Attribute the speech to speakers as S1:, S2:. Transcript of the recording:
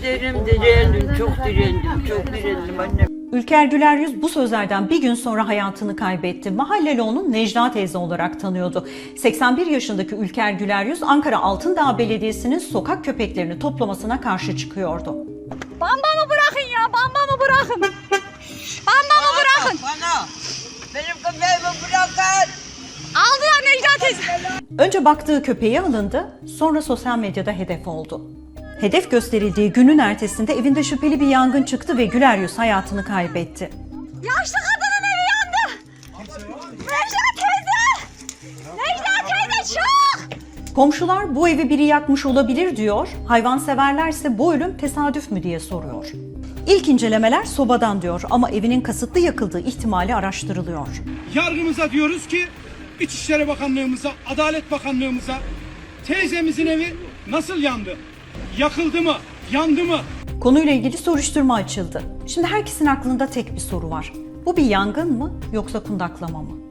S1: direndim, çok direndim annem.
S2: Ülker Güler Yüz bu sözlerden bir gün sonra hayatını kaybetti. Mahalleli onu Necla teyze olarak tanıyordu. 81 yaşındaki Ülker Güler Yüz, Ankara Altındağ Belediyesi'nin sokak köpeklerini toplamasına karşı çıkıyordu.
S3: Bambamı bırakın ya, bambamı bırakın. Bambamı bırakın.
S1: Bana, benim köpeğimi bırakın.
S3: Aldılar Necla teyze.
S2: Önce baktığı köpeği alındı, sonra sosyal medyada hedef oldu. Hedef gösterildiği günün ertesinde evinde şüpheli bir yangın çıktı ve Güler Yüz hayatını kaybetti.
S3: Yaşlı kadının evi yandı. Necla teyze. Necla teyze çok.
S2: Komşular bu evi biri yakmış olabilir diyor, hayvanseverlerse bu ölüm tesadüf mü diye soruyor. İlk incelemeler sobadan diyor ama evinin kasıtlı yakıldığı ihtimali araştırılıyor.
S4: Yargımıza diyoruz ki, İçişleri Bakanlığımıza, Adalet Bakanlığımıza teyzemizin evi nasıl yandı? Yakıldı mı? Yandı mı?
S2: Konuyla ilgili soruşturma açıldı. Şimdi herkesin aklında tek bir soru var. Bu bir yangın mı yoksa kundaklama mı?